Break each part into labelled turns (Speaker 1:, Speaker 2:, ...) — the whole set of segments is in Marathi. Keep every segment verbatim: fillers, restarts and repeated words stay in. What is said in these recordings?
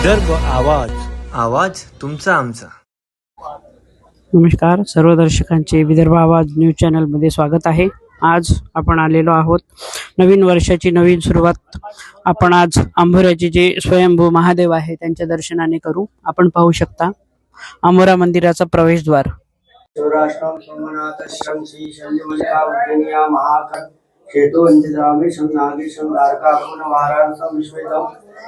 Speaker 1: विदर्भ आवाज, आवाज तुमचा आमचा.
Speaker 2: नमस्कार सर्व दर्शकांचे विदर्भ आवाज न्यूज चॅनलमध्ये स्वागत आहे. आज आपण आलेलो आहोत नवीन वर्षाची नवीन सुरुवात आपण आज अंभोऱ्याचे जे स्वयंभू महादेव आहे त्यांच्या दर्शनाने करू. आपण पाहू शकता अंभोरा मंदिराचा प्रवेशद्वार.
Speaker 3: शिवराष्ट्रम सोमनाथश्रम श्री शल्यमल्लिकार्जुनीया महाकं शेतु वंदितामेशं नागेशं द्वारकापुन वाराणसं विश्वेदं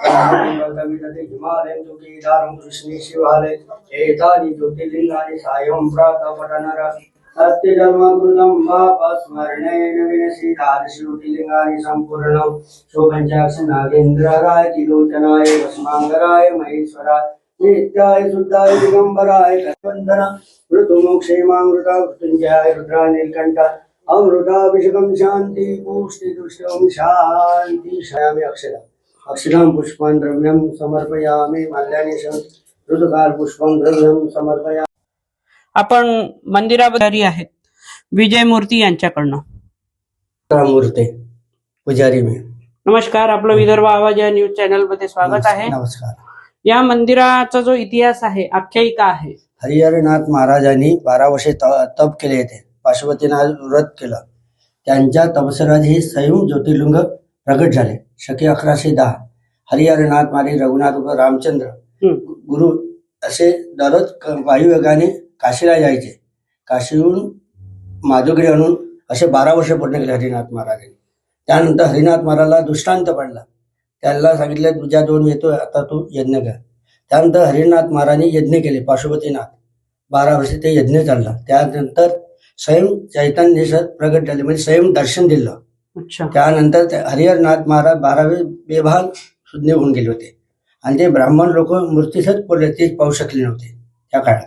Speaker 3: कविदते हिमालयं तुकीदारं कृष्णे शिवालय एतानि ज्योतिर्लिंगानि सायं प्रातःपठनर सत्यजन्मकृतं पापस्मरणेन विनशि द्वादशज्योतिर्लिंगानि सम्पूर्णं शोभञ्चाक्ष नागेन्द्राय त्रिलोचनाय भस्मांगराय महेश्वराय नित्याय शुद्धाय दिगंबराय वंदना ऋतुमोक्षेमामृता मृत्युंजयाय रुद्रा नीलकंठा अमृताभिषेकं शांति पुष्टि दुष्टं शांति. शयामि अक्षरा अक्षरं पुष्पं द्रव्यं समर्पयामि माल्यानि ऋतुकाल पुष्पं द्रव्यं समर्पयामि.
Speaker 2: आपण मंदिराबाहेर आहेत विजय मूर्ती यांच्याकडनं.
Speaker 3: मूर्ती पुजारी मी.
Speaker 2: नमस्कार, आपलं विदर्भ आवाज या न्यूज चॅनल मध्ये स्वागत आहे.
Speaker 3: नमस्कार.
Speaker 2: या मंदिराचा जो इतिहास आहे, आख्यायिका आहे,
Speaker 3: हरिहरनाथ महाराजांनी बारा वर्षे तप केले होते. पाशुपतीनाथ व्रत केलं. त्यांच्या तपस्यात हे स्वयं ज्योतिर्लिंग प्रगट झाले. शके अकराशे दहा हरिहरनाथ मारी रघुनाथ रामचंद्र गुरु असे दररोज वायुवेगाने काशीला जायचे. काशीहून माधुगिरी आणून असे बारा वर्ष पूर्ण केले हरिनाथ महाराजांनी. त्यानंतर हरिनाथ महाराजला दृष्टांत पडला. त्याला सांगितलं तुझ्या दोन येतोय, आता तू यज्ञ कर. त्यानंतर हरिनाथ महाराजांनी यज्ञ केले. पाशुपतीनाथ बारा वर्षे ते यज्ञ चालला. त्यानंतर स्वयं चैतन्येश्वर प्रगट झाले, म्हणजे स्वयं दर्शन दिलं. त्यानंतर हरिहरनाथ महाराज बारावे बेभान शुद्ध होऊन गेले होते आणि ते ब्राह्मण लोक मूर्तीसच पडले, ते पाहू शकले नव्हते त्या काळात.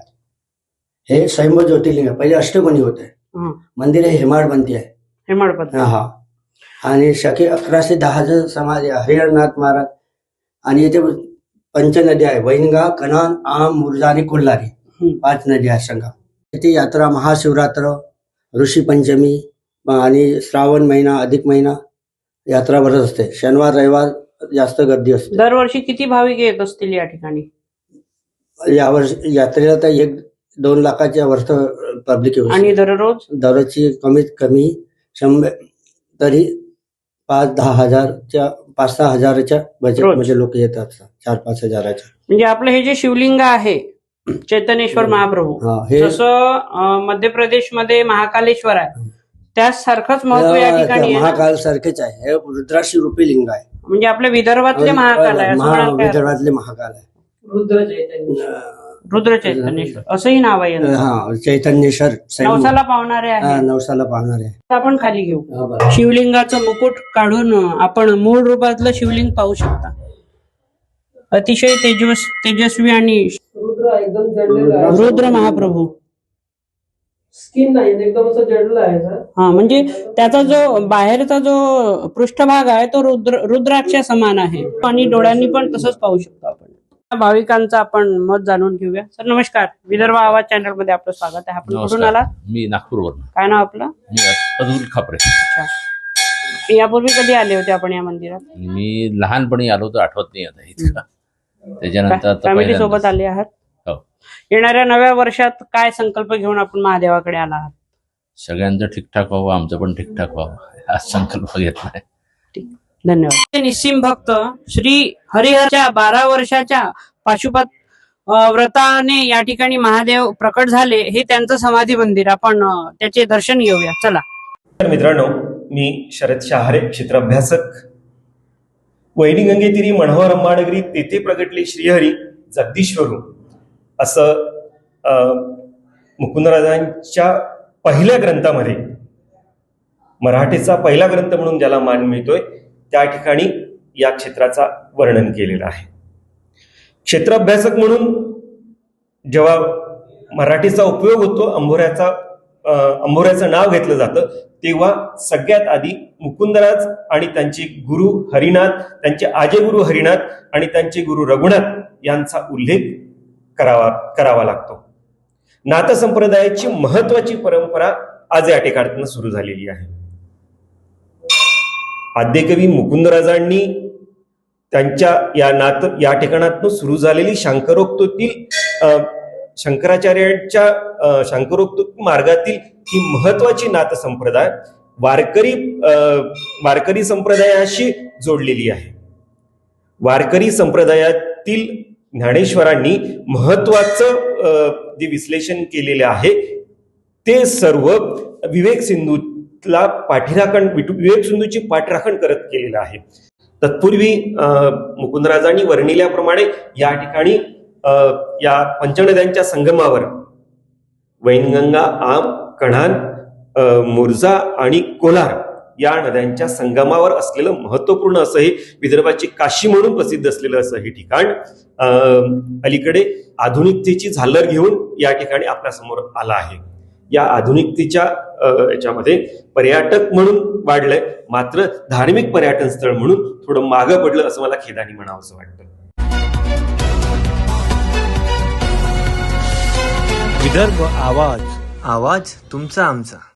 Speaker 3: हे स्वयंभू ज्योतिर्लिंग पहिले अष्टकोनी होते. मंदिर हे हेमाडपंथी आहे.
Speaker 2: हेमाडपंथी
Speaker 3: हा. आणि शके अकराशे दहाचं समाधी हरिहरनाथ महाराज. आणि इथे पंच नद्या आहे, वैनगा, कनान, आम, मुर्जा आणि कोल्हारी, पाच नद्या आहेत संगम. इथे यात्रा महाशिवरात्र, ऋषी पंचमी आणि श्रावण महिना अधिक महिना यात्रा भरत असते. शनिवार रविवार जास्त गर्दी असते.
Speaker 2: दरवर्षी किती भाविक येत असतील या ठिकाणी?
Speaker 3: यावर्षी यात्रेला तर एक दोन लाखाच्या वर्ष पब्लिक येऊ.
Speaker 2: आणि दररोज
Speaker 3: दररोजची कमीत कमी शंभर तरी पाच दहा हजारच्या पाच सहा हजाराच्या बजेट मध्ये लोक येतात. चार पाच हजाराच्या.
Speaker 2: म्हणजे आपलं हे जे शिवलिंग आहे चैतन्येश्वर महाप्रभू, जसं मध्य प्रदेश मध्ये महाकालेश्वर आहे त्यासारखंच महत्व या ठिकाणी
Speaker 3: महाकाल सारखेच आहे. हे रुद्राशी रूपी लिंग आहे.
Speaker 2: म्हणजे आपल्या विदर्भातले महाकाल आहे.
Speaker 3: विदर्भातले महाकाल आहे.
Speaker 2: रुद्र चैतन्य रुद्र चैतन्येश्वर असंही नाव आहे.
Speaker 3: हा, चैतन्येश्वर
Speaker 2: नवसाला पावणारे आहे.
Speaker 3: नवसाला पावणारे आहे.
Speaker 2: आपण खाली घेऊ. शिवलिंगाचं मुकुट काढून आपण मूळ रूपातलं शिवलिंग पाहू शकता. अतिशय तेजस तेजस्वी आणि
Speaker 4: रुद्र एकदम जडलेला आहे.
Speaker 2: रुद्र महाप्रभू.
Speaker 4: स्किन नाही एकदम असं जडलं आहे सर.
Speaker 2: हा, म्हणजे त्याचा जो बाहेरचा जो पृष्ठभाग आहे तो रुद्र रुद्राक्षा समान आहे. आणि डोळ्यांनी पण तसंच पाहू शकतो आपण. भाविकांचं आपण मत जाणून घेऊया. सर नमस्कार, विदर्भ आवाज चॅनल मध्ये आपलं स्वागत आहे. आपण कुठून आला?
Speaker 5: मी नागपूरवरून.
Speaker 2: काय नाव आपलं?
Speaker 5: मी अतुल खापरे.
Speaker 2: अच्छा, यापूर्वी कधी आले होते आपण या मंदिरात?
Speaker 5: मी लहानपणी आलो तर आठवत नाही आता इतकं. त्याच्यानंतर
Speaker 2: फॅमिली सोबत आले आहात?
Speaker 5: हो.
Speaker 2: येणाऱ्या नव्या वर्षात काय संकल्प घेऊन आपण महादेवाकडे आला आहात?
Speaker 5: सगळ्यांचं ठीकठाक व्हावं, आमचं पण ठीकठाक व्हावं हा संकल्प घेतलाय.
Speaker 2: धन्यवाद. निस्सिम भक्त श्री हरिहरच्या बारा वर्षाच्या पाशुपत व्रताने या ठिकाणी महादेव प्रकट झाले. हे त्यांचं समाधी मंदिर. आपण त्याचे दर्शन घेऊया. चला.
Speaker 6: मित्रांनो, मी शरद शहारे, क्षेत्राभ्यासक. वैनी गंगेतिरी मनोहर अंबाडगिरी तेथे प्रगटले श्रीहरी जगदीश्वरू असं मुकुंदराजांच्या पहिल्या ग्रंथामध्ये, मराठीचा पहिला ग्रंथ म्हणून ज्याला मान मिळतोय, त्या ठिकाणी या क्षेत्राचा वर्णन केलेलं आहे. क्षेत्राभ्यासक म्हणून जेव्हा मराठीचा उपयोग होतो, अंभोऱ्याचा अंभोऱ्याचं नाव घेतलं जातं, तेव्हा सगळ्यात आधी मुकुंदराज आणि त्यांचे गुरु हरिनाथ, त्यांचे आजेगुरु हरिनाथ आणि त्यांचे गुरु रघुनाथ यांचा उल्लेख करावा करावा लागतो. नाथ संप्रदायाची महत्वाची परंपरा आज या ठिकाणी सुरू झालेली आहे. आद्यकवी मुकुंदराजांनी त्यांच्या या नात या ठिकाणातून सुरू झालेली शांकरोक्तीतील अ, शंकराचार्यांच्या अ, शांकरोक्ती मार्गातील ही महत्वाची नात संप्रदाय वारकरी अ, वारकरी संप्रदायाशी जोडलेली आहे. वारकरी संप्रदायातील ज्ञानेश्वरांनी महत्वाचं अ, जे विश्लेषण केलेले आहे ते सर्व विवेक सिंधूला पाठीराखण विवेक सिंधूची पाठराखण करत केलेलं आहे. तत्पूर्वी अ, मुकुंदराजांनी वर्णिल्याप्रमाणे या ठिकाणी अ, या पंचनद्यांच्या संगमावर वैनगंगा, आम, कढाण, अ, मुर्जा आणि कोलार या नद्यांच्या संगमावर असलेलं महत्वपूर्ण असं हे विदर्भाची काशी म्हणून प्रसिद्ध असलेलं असं हे ठिकाण अ, अलीकडे आधुनिकतेची झालर घेऊन या ठिकाणी आपल्या समोर आलं आहे. या आधुनिकतेच्या अ, याच्यामध्ये पर्यटक म्हणून वाढलंय, मात्र धार्मिक पर्यटन स्थळ म्हणून थोडं मागं पडलं असं मला खेदाने म्हणावं असं वाटतं.
Speaker 1: विदर्भ आवाज आवाज तुमचा आमचा.